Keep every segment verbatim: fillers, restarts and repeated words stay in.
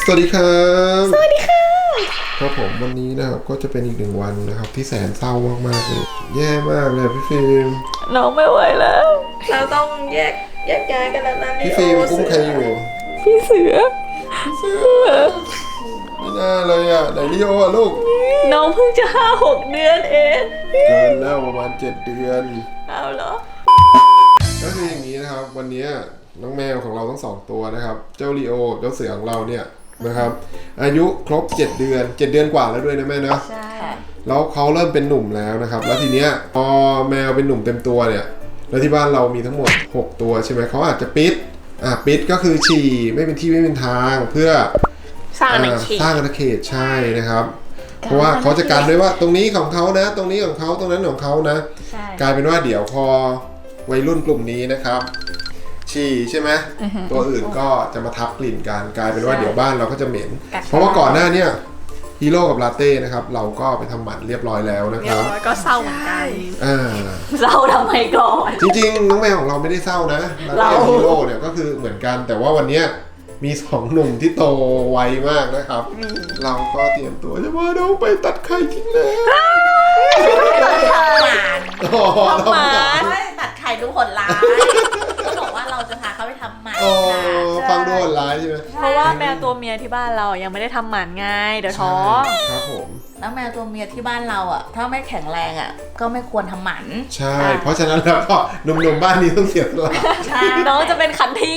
สวัสดีครับสวัสดีค่ะครับผมวันนี้นะครับก็จะเป็นอีกหนึ่งวันนะครับที่แสนเศร้ามากๆเลยแย่มากเลยพี่ฟิล์มน้องไม่ไหวแล้วเราต้องแยกแยกย้ายกันแล้วนะพี่ฟิล์มกุ้งใครอยู่พี่เสือเสือไม่น่าเลยอ่ะไหนลิโออ่ะลูกน้องเพิ่งจะห้าหกเดือนเองเกินแล้วประมาณเจ็ดเดือนเอาเหรอก็คืออย่างนี้นะครับวันนี้น้องแมวของเราทั้งสองตัวนะครับเจ้าลิโอเจ้าเสือของเราเนี่ยนะครับอายุครบเจ็ดเดือนเจ็ดเดือนกว่าแล้วด้วยนะแม่นะใช่แล้วเขาเริ่มเป็นหนุ่มแล้วนะครับแล้วทีเนี้ยพอแมวเป็นหนุ่มเต็มตัวเนี่ยแล้วที่บ้านเรามีทั้งหมดหกตัวใช่ไหมเขาอาจจะปิดอ่ะปิดก็คือฉี่ไม่เป็นที่ไม่เป็นทางเพื่อสร้างอาณาเขตสร้างอาณาเขตใช่นะครับเพราะว่าเขาจะการด้วยว่าตรงนี้ของเขานะตรงนี้ของเขาตรงนั้นของเขานะกลายเป็นว่าเดี๋ยวพอวัยรุ่นกลุ่มนี้นะครับฉี่ใช่ไหม uh-huh. ตัวอื่นก็จะมาทับกลิ่นกันกลายเป็นว่าเดี๋ยวบ้านเราก็จะเหม็นเพราะว่าก่อนหน้านี้ฮีโร่กับลาเต้นะครับเราก็ไปทำหมันเรียบร้อยแล้วนะครับก็เศร้าเหมือนกันอ่าเศร้าทำไมก่อนจริงๆน้องแมวของเราไม่ได้เศร้านะลาเต้ฮีโร่เนี่ยก็คือเหมือนกันแต่ว่าวันนี้มีสองหนุ่มที่โตไวมากนะครับเราก็เตรียมตัวจะมาน้องไปตัดไข่ทิ้งแล้วตัดไข่หมันทำหมันไม่ตัดไข่ดูโหดร้ายก็บอกว่าเราจะพาเขาไปทำหมันฟังดูโหดร้ายใช่ไหมเพราะว่าแมวตัวเมียที่บ้านเรายังไม่ได้ทำหมันไงเดี๋ยวท้องครับผมแล้วแมวตัวเมียที่บ้านเราอ่ะถ้าไม่แข็งแรงอ่ะก็ไม่ควรทำหมันใช่เพราะฉะนั้นแล้วก็หนุ่มๆบ้านนี้ต้องเสียสละใช่น้องจะเป็นคันที่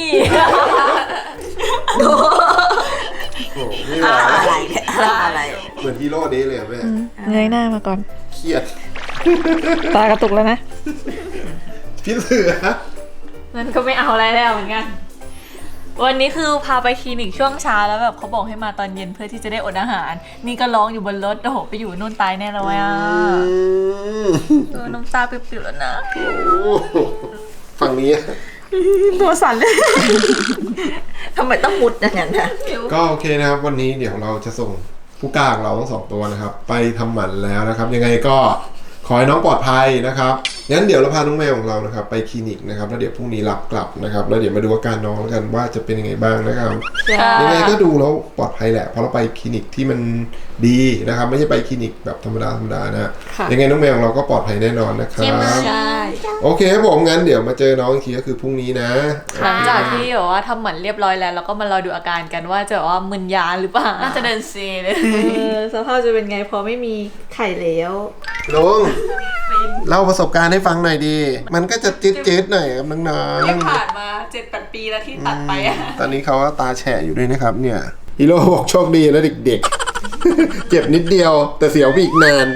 อะไรเนี่ยอะไรเหมือนฮีโร่เดย์เลยแม่เงยหน้ามาก่อนเครียดตากระตุกแล้วนะพี่เสือนั่นก็ไม่เอาอะไรแล้วเหมือนกันวันนี้คือพาไปคลินิกช่วงเช้าแล้วแบบเขาบอกให้มาตอนเย็นเพื่อที่จะได้อดอาหารนี่ก็ร้องอยู่บนรถโอ้โหไปอยู่นู่นตายแน่เลยอ่ะน้ำตาปิ่วๆแล้วนะฝั่งนี้ตัวสั่นเลยทำไมต้องมุดอย่างนั้นนะก็โอเคนะครับวันนี้เดี๋ยวเราจะส่งผู้กล้าของเราทั้งสองตัวนะครับไปทำหมันแล้วนะครับยังไงก็ขอให้น้องปลอดภัยนะครับงั้นเดี๋ยวเราพาน้องแมวของเรานะครับไปคลินิกนะครับแล้วเดี๋ยวพรุ่งนี้รับกลับนะครับแล้วเดี๋ยวมาดูอาการน้องกันว่าจะเป็นยังไงบ้างนะครับยังไงก็ดูแล้วปลอดภัยแหละเพราะเราไปคลินิกที่มันดีนะครับไม่ใช่ไปคลินิกแบบธรรมดาธรรมดานะยังไงน้องแมวของเราก็ปลอดภัยแน่นอนนะครับใช่โอเคครับผมงั้นเดี๋ยวมาเจอน้องอีกทีก็คือพรุ่งนี้นะหลังจากที่แบบว่าทำหมันเรียบร้อยแล้วเราก็มารอดูอาการกันว่าจะว่ามึนยาหรือเปล่าน่าจะเดินเซเลยสภาพจะเป็นไงพอไม่มีไข่แล้วลุงเล่าประสบการณ์ให้ฟังหน่อยดีมันก็จะจี๊ดๆหน่อยครับน้องๆที่ผ่านมา เจ็ดแปด ปีแล้วที่ตัดไปอ่ะตอนนี้เขาตาแฉะอยู่ด้วยนะครับเนี่ยฮีโร่บอกโชคดีแล้วเด็กๆ เจ็บนิดเดียวแต่เสียวไปอีกนาน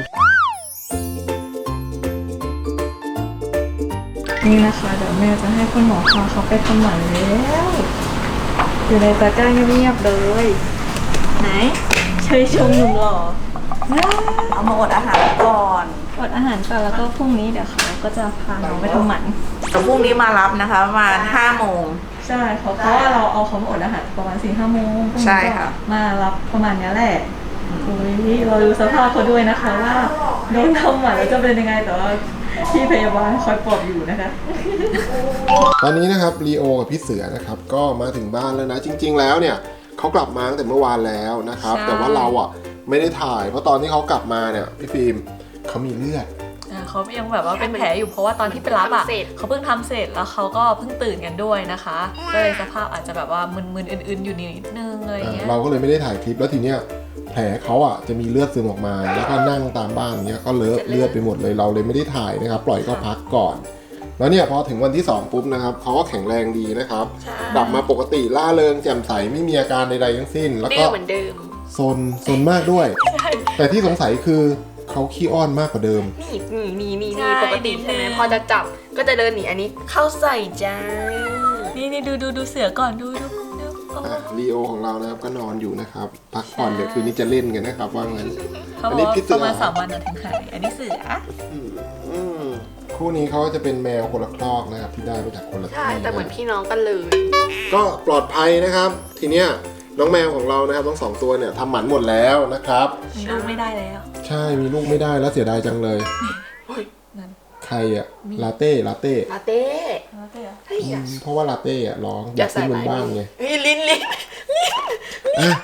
นี่นะคะเดี๋ยวแม่จะให้คุณหมอพาเขาไปทำหมันแล้วอยู่ในตะกร้าเงียบๆเลยไหนเชยชมหนุ่มหล่อเอามาอดอาหารก่อนอดอาหารก่อนแล้วก็พรุ่งนี้เดี๋ยวเขาก็จะพาน้องไปทำหมันแต่พรุ่งนี้มารับนะคะประมาณห้าโมงใช่เพราะเพราะว่าเราเอาเขามาอดอาหารประมาณสี่ห้าโมงใช่ค่ะมารับประมาณนี้แหละอุ้ยเราดูสภาพเขาด้วยนะคะว่าโดนทำหมันแล้วจะเป็นยังไงแต่ว่าพี่พยาบาลคอยปลอบอยู่นะคะตอนนี้นะครับลีโอกับพี่เสือนะครับก็มาถึงบ้านแล้วนะจริงๆแล้วเนี่ยเขากลับมาตั้งแต่เมื่อวานแล้วนะครับแต่ว่าเราอ่ะไม่ได้ถ่ายเพราะตอนที่เขากลับมาเนี่ยพี่ฟิล์มเขามีเลือดเขายังแบบว่าเป็นแผลอยู่เพราะว่าตอนที่ไปรับอ่ะเขาเพิ่งทำเสร็จแล้วเขาก็เพิ่งตื่นกันด้วยนะคะก็เลยสภาพอาจจะแบบว่ามึนๆอื่นๆอยู่นิดนึงอะไรเงี้ยเราก็เลยไม่ได้ถ่ายคลิปแล้วทีเนี้ยแผลเขาอ่ะจะมีเลือดซึมออกมาแล้วก็นั่งตามบ้านเนี้ยก็เลอะเลือดไปหมดเลยเราเลยไม่ได้ถ่ายนะครับปล่อยก็พักก่อนแล้วเนี่ยพอถึงวันที่สองปุ๊บนะครับเขาก็แข็งแรงดีนะครับกลับมาปกติล่าเริงแจ่มใสไม่มีอาการใดๆทั้งสิ้นแล้วก็เหมือนเดิมซนซนมากด้วยแต่ที่สงสัยคือเขาขี้อ้อนมากกว่าเดิมนี่นี่นี่นี่นี่ปกติใช่ไหมพอจะจับก็จะเดินหนีอันนี้เข้าใส่จ้านี่นี่ดูดูดูเสือก่อนดูดูดูลีโอของเรานะครับก็นอนอยู่นะครับพักผ่อนเดี๋ยวคืนนี้จะเล่นกันนะครับว่างั้นอันนี้พิเศษประมาณสามวันถึงหายอันนี้เสือคู่นี้เขาจะเป็นแมวคนละครอกนะครับที่ได้มาจากคนละที่ใช่แต่เหมือนพี่น้องกันเลยก็ปลอดภัยนะครับทีเนี้ยน้องแมวของเรานะครับทั้งสองตัวเนี่ยทำหมันหมดแล้วนะครับมีลูกไม่ได้แล้วใช่มีลูกไม่ได้แล้วเสียดายจังเลยใครอะลาเต้ลาเต้ลาเต้ลาเต้เพราะว่าลาเต้อะร้องอยากขึ้นบนบ้านไงลิ้นลิ้นลิ้น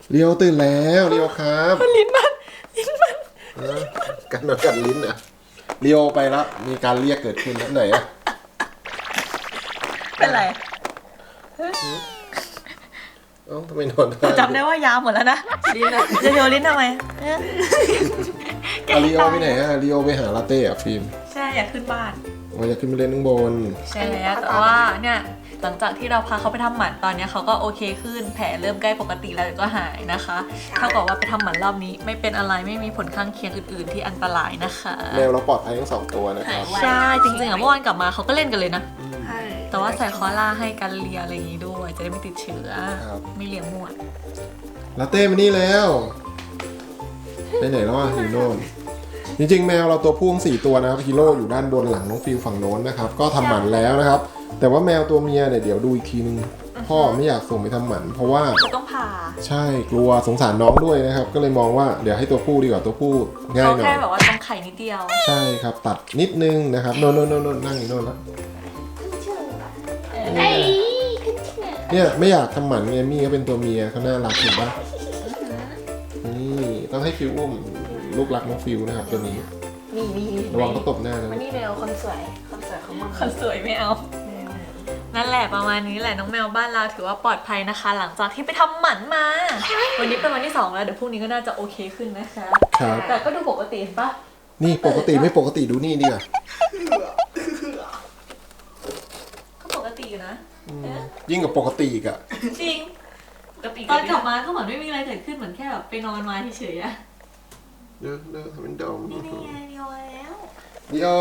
เรียวตื่นแล้วเรียวครับลิ้นมันลิ้นมันเออกันมากัดลิ้นอ่ะเรียวไปแล้วมีการเรียกเกิดขึ้นแล้วไหนอ่ะเป็นไรเอ้าทำไมนอนได้จำได้ว่ายาวหมดแล้วนะลิ้นอะจะโยนลิ้นทำไมเอ๊ะอาริโอไปไหนอ่ะริโอไปหาลาเต้อ่ะฟิล์มใช่อยากขึ้นบ้านอ๋ออยากขึ้นไปเล่นข้างบนใช่แล้วแต่ว่าเนี่ยหลังจากที่เราพาเขาไปทำหมันตอนเนี้ยเขาก็โอเคขึ้นแผลเริ่มใกล้ปกติแล้วเดี๋ยวก็หายนะคะเท่ากับว่าไปทำหมันรอบนี้ไม่เป็นอะไรไม่มีผลข้างเคียงอื่น ๆ ที่อันตรายนะคะแมวเราปลอดภัยทั้งสองตัวนะครับใช่จริงๆอ่ะเมื่อวานกลับมาเขาก็เล่นกันเลยนะใช่แต่ว่าใส่คอล่าให้กันเลียอะไรอย่างงี้ด้วยจะได้ไม่ติดเชื้อครับไม่เลี้ยงมั่วลาเต้มานี่แล้วไปไหนแล้วอ่ะอยู่โน่นจริงๆแมวเราตัวพ่วงสี่ตัวนะครับฮีโร่อยู่ด้านบนหลังน้องฟิลฝั่งโน้นนะครับก็ทำหมันแล้วนะครับ แต่ว่าแมวตัวเมียเนี่ยเดี๋ยวดูอีกทีนึงพ่อไม่อยากส่งไปทำหมันเพราะว่าเขาต้องผ่าใช่กลัวสงสารน้องด้วยนะครับ ก็เลยมองว่าเดี๋ยวให้ตัวผู้ดีกว่าตัวผู้ง่ายเขาหน่อแค่ยแบบว่าต้องไข่นิดเดียวใช่ครับตัดนิดนึงนะครับโน่นโน่นโน่นโน่นนั่งอยู่โน่นแล้วเนี่ยไม่อยากทำหมันไงมี่เขาเป็นตัวเมียเขาน่ารักเห็นปะนี่ต้องให้ฟิวอุ้มลูกรักน้องฟิวนะครับตัวนี้นี่นี่ระวังเขาตบหน้านะมันนี่แมวคนสวยคนสวยของมึงคนสวยไม่เอา นั่นแหละประมาณนี้แหละน้องแมวบ้านเราถือว่าปลอดภัยนะคะ หลังจากที่ไปทำหมันมา วันนี้เป็นวันที่สองแล้วเดี๋ยวพรุ่งนี้ก็น่าจะโอเคขึ้นนะคะครับแต่ก็ดูปกติเห็นปะนี่ปกติไม่ปกติดูนี่ดีกว่าก็ปกติอยู่นะยิ่งกว่าปกติอีกอะจริงตอนกลับมาก็เหมือนไม่มีอะไรเกิดขึ้นเหมือนแค่แบบไปนอนมาเฉยๆอะเด้อเด้อทำเป็นดอมนี่ไงเดียวแล้วดิโอ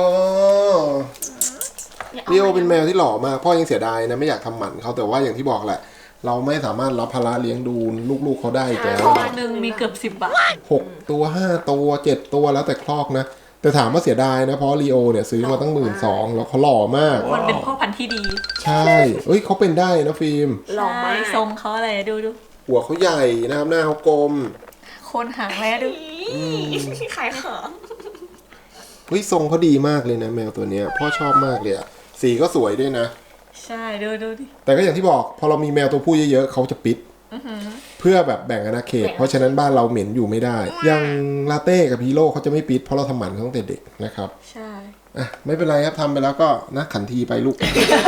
ดิโอเป็นแมวที่หล่อมากพ่อยังเสียดายนะไม่อยากทำหมันเขาแต่ว่าอย่างที่บอกแหละ เราไม่สามารถรับภาระเลี้ยงดูลูกๆเขาได้อีกแล้ววันหนึ่งมีเกือบสิบบาทหกตัวห้าตัวเจ็ดตัวแล้วแต่คลอกนะ แต่ถามว่าเสียดายนะเพราะลีโอเนี่ยซื้อมาตั้งหมื่นสองแล้วเขาหล่อมากมันเป็นพ่อพันธุ์ที่ดีใช่เอ้ยเขาเป็นได้นะฟิล์มหล่อมากใช่ทรงเขาอะไรดูดูหัวเขาใหญ่นะครับหน้าเขากลมโคนหางแล้วดูขายของเฮ้ยทรงเขาดีมากเลยนะแมวตัวเนี้ยพ่อชอบมากเลยอะสีก็สวยด้วยนะใช่ดูดูดิแต่ก็อย่างที่บอกพอเรามีแมวตัวผู้เยอะๆเขาจะปิด เพื่อแบบแบ่งอาณาเขต เพราะฉะนั้นบ้านเราเหม็นอยู่ไม่ได้ อย่างลาเต้กับฮีโร่เขาจะไม่ปิดเพราะเราทำหมันเขาตั้งแต่เด็กนะครับใช่อ่ะไม่เป็นไรครับทำไปแล้วก็นะขันทีไปลูก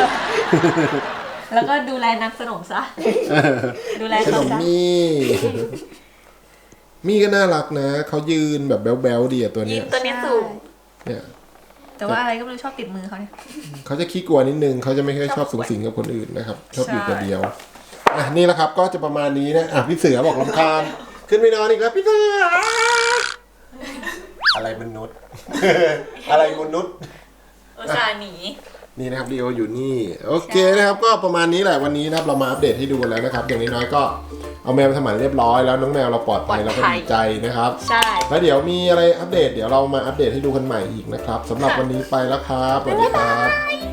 แล้วก็ดูแลนักสนมซะ ดูแลขเขานมซะมี่มี่ก็น่ารักนะเขายืนแบบแบ๊วๆดีอะตัวยิ้เนี้มยตัวนี้สูงเนี่ยแต่ว่าอะไรก็ไม่รู้ชอบติดมือเขาเนี่ยเขาจะขี้กลัวนิดนึงเขาจะไม่ค่อยชอบสูงสิงกับคนอื่นนะครับชอบอยู่ใช่ตัวเดียวอ่ะนี่แหละครับก็จะประมาณนี้นะอ่ะพี่เสือบอกลำคาญขึ้นไปนอนอีกแล้วพี่เสืออะไรมนุษย์ อะไรมนุษย์อุตส่าห์หนีนี่นะครับลีโออยู่นี่โอเคนะครับก็ประมาณนี้แหละวันนี้นะครับเรามาอัปเดตให้ดูกันแล้วนะครับอย่างน้อยๆก็เอาแมวไปทำหมันเรียบร้อยแล้วน้องแมวเราปลอดภัยเราก็ดีใจนะครับใช่แล้วเดี๋ยวมีอะไรอัปเดตเดี๋ยวเรามาอัปเดตให้ดูกันใหม่อีกนะครับสำหรับวันนี้ไปแล้วครับสวัสดีครับ